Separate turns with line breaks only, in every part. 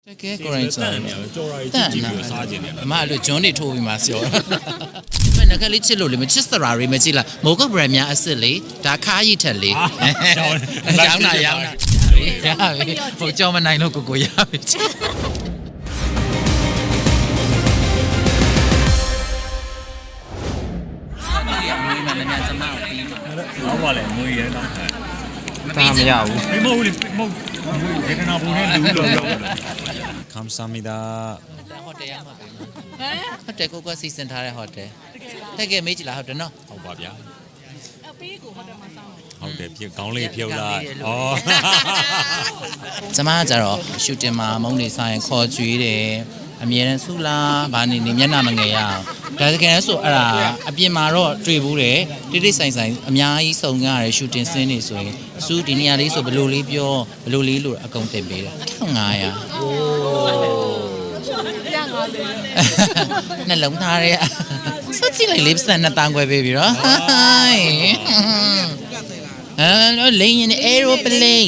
တကယ်ကိုရိုင်းစားတယ်ကြော်ရည်ကြည့်ကြည့်ပြီးစားခြင်းတယ်အမအဲ့လိုဂျွန်းတွေထိုးပြီးမှဆောမနက်ကလေးချစ်လို့လေမချစ်စရာတွေမကြည့်လားမိုးကဘရန်များအစ်စ်လေဒါခါးရည်ထက်လေရောင်းတာရပြီဟိုကြောင်မနိုင်လို့ကိုရပြီ
好吧嘞，没人当开。
ဒါမရဘူး
没冇嘞，冇，这个那不能留了。
ခမ်ဆာမီဒါ
ဟိုတယ်ရမှာပဲဟိုတယ်ကိုကစီစဉ်ထားတဲ့ဟိုတယ်တကယ်မေးကြည့်လားဟုတ်တယ်နော်
ဟုတ်ပါဗျာ
အပေးကိုဟိုတယ်မှာစောင်းတယ်
ဟုတ်တယ်ဖြစ်ကောင်းလေးဖြုတ်လိုက်ဩ
ကျမကကြတော့ရှူတင်မှာမုံနေဆိုင်ခေါ်ကြွေးတယ်အမြဲတမ်းဆူလားဘာနေနေမျက်နှာမငယ်ရအောင်ဒါတကယ်ဆိုအဲ့ဒါအပြင်မှာတော့တွေ့ဘူးတယ်တိတိဆိုင်ဆိုင်အများကြီးစုံရတယ်ရှူတင်စင်းနေဆိုရင်ဆူဒီနေရာလေးဆိုဘယ်လိုလေးပြောဘယ်လိုလေးလို့အကုန်တင်ပေးတယ်1500โอ้နှလုံးသားရဲစက်ချလိုက်လေးပတ်နှစ်တန်းခွဲပေးပြီနော်လိန်ရင် aeroplane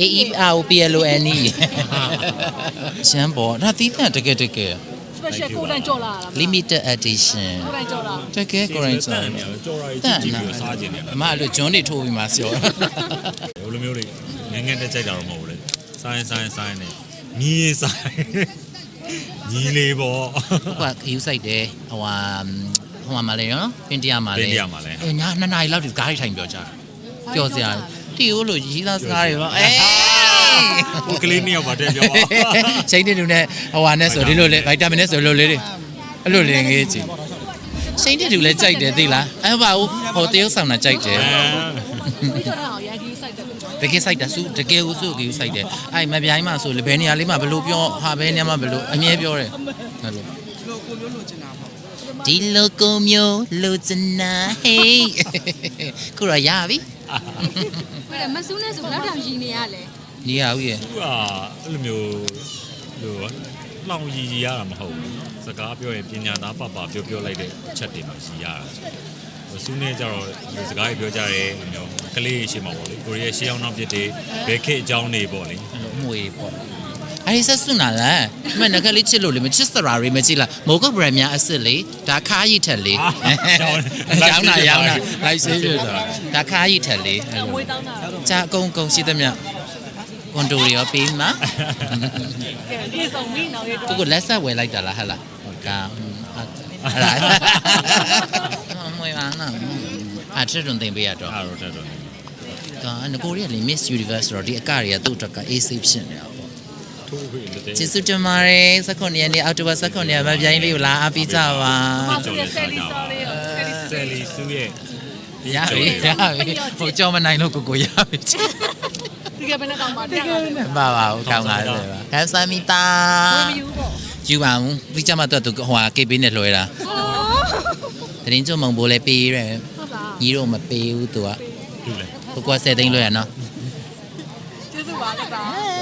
AEROPLONE ရှမ်းပေါ်ဒါသီးသန့်တကယ်
special ကိုယ်တိုင်ကြော်လာတာ
limited edition
ကိုယ်တိုင်ကြော်လာ
တကယ်ကိုရိုင်းစားတယ်
ကြော်ရည်ကြည့်ကြည့်ပြီးစားခြင်းတယ်
အမအဲ့လိုဂျွန်းတွေထိုးပြီးမှဆော
ဘယ်လိုမျိုးလေးငငယ်တက်ကြိုက်တာတော့မဟုတ်ဘူးလေဆိုင်နေမြည်ဆိုင်ညီလေးပေါ့
ဟိုကယူဆိုင်တယ်ဟိုမှာလေနော်ပင်တရမှာလေညာ2နာရီလောက်ဒီကားထိုင်ပြောကြတာပြောစရာတီဟိုလိုရီးသားစကားတွေပေါ့
ဟိုကလေးနှစ်ယောက်ပါတဲ့ပြော
ရှိန်တဲ့လူနဲ့ဟိုဟာနဲ့ဆိုဒီလိုလေဗိုက်တာမင်နဲ့ဆိုလိုလေးတွေအဲ့လိုလေးငေးကြည့်ရှိန်တဲ့လူလည်းကြိုက်တယ်သိလားအဲ့ဘာဟိုတရုတ်ဆောင်တာကြိုက်တယ်
ဒီကြော်တာအောင်ရန်ကြီးစိုက်တယ်
တကယ်စိုက်တာစုတကယ်ကိုစုကိုစိုက်တယ်အဲ့မပြိုင်းမှဆိုလေဘယ်နေရာလေးမှဘယ်လိုပြောဟာဘယ်နေရာမှဘယ်လိုအမြဲပြောတယ်အဲ့လိုဒီလိုကိုမျိုးလိုချင်တာဟေးခုတော့ရပြီ
ဟုတ်တယ်မဆူးနဲ့ဆိုလောက်တောင်ရည်နေရလဲ
နေရဦးရဲ့
သူကအဲ့လိုမျိုးလို့လောင်ရည်ရတာမဟုတ်ဘူးစကားပြောရင်ပညာသားပပပြောလိုက်တဲ့အချက်တွေမှရည်ရတာဆူးနေကြတော့ဒီစကားကြီးပြောကြတယ်မျိုးကလေးရှင်းမှာပေါ့လေကိုရီးယားရှေးအောင်နောက်ပြစ်တွေဘဲခေအကြောင်းတွေပေါ့လေ
အဲ့လိုအမွေပေါ့အဲ့ဒီဆက်စွနာလားမနက်ကလေးချစ်လို့လေမချစ်စရာတွေမကြည့်လားမိုးကဘရန်များအစ်စ်လေဒါခါးရည်ထက်လေရောင်းတာလိုက်ဆေးရတာဒါခါးရည်ထက်လေအဲ့လို
ဝေးတောင်းတာ
ကြာအကုန်ရှိသမျှကွန်ဒိုတွေရောပေးမှာ
ကဲပြေဆုံးပြီနောက်ရတော့
သူကလက်ဆက်ဝယ်လိုက်တာလားဟဲ့လားကဟဲ့လားမွေးပါနော်အဲ့ထရွန်တင်ပေးရတော့
အားတော့တက်တော့
ငကိုရီးယားလေ Miss Universe ဆိုတော့ဒီအကတွေကသူ့အတွက်က AC ဖြစ်နေတာပေါ့
ထိုးခွေလက်တဲ့
ကျေးဇူးတင်ပါတယ်19ရက်နေ့အောက်တိုဘာ19ရက်မှာပြိုင်လေးကိုလာအားပေးကြပါ
ဆယ်လီဆော်လေးဆယ်လီ
ဆယ်လီစုရဲ့
ရပြီဟိုကြောင်မနိုင်လို့ကိုရပြီ
ဒီကဘယ်နဲ့ကောင်းပါတရားကောင်းတယ်
ပါပါဦးကောင်းပါလေပါခန်းဆာမီတာ
ဝေးမယူပေါ့
ယူပါဦးဒီကြမှာတော့သူဟိုဟာ KB နဲ့လွှဲတာတင်းကျုံမုံဘိုးလည်းပေးရဲ
ဟုတ်လား
ညီတို့မပေးဘူးသူက
တူလေ
သူက10သိန်းလွှဲရနော်
ကျေးဇူးပါလက်ပါ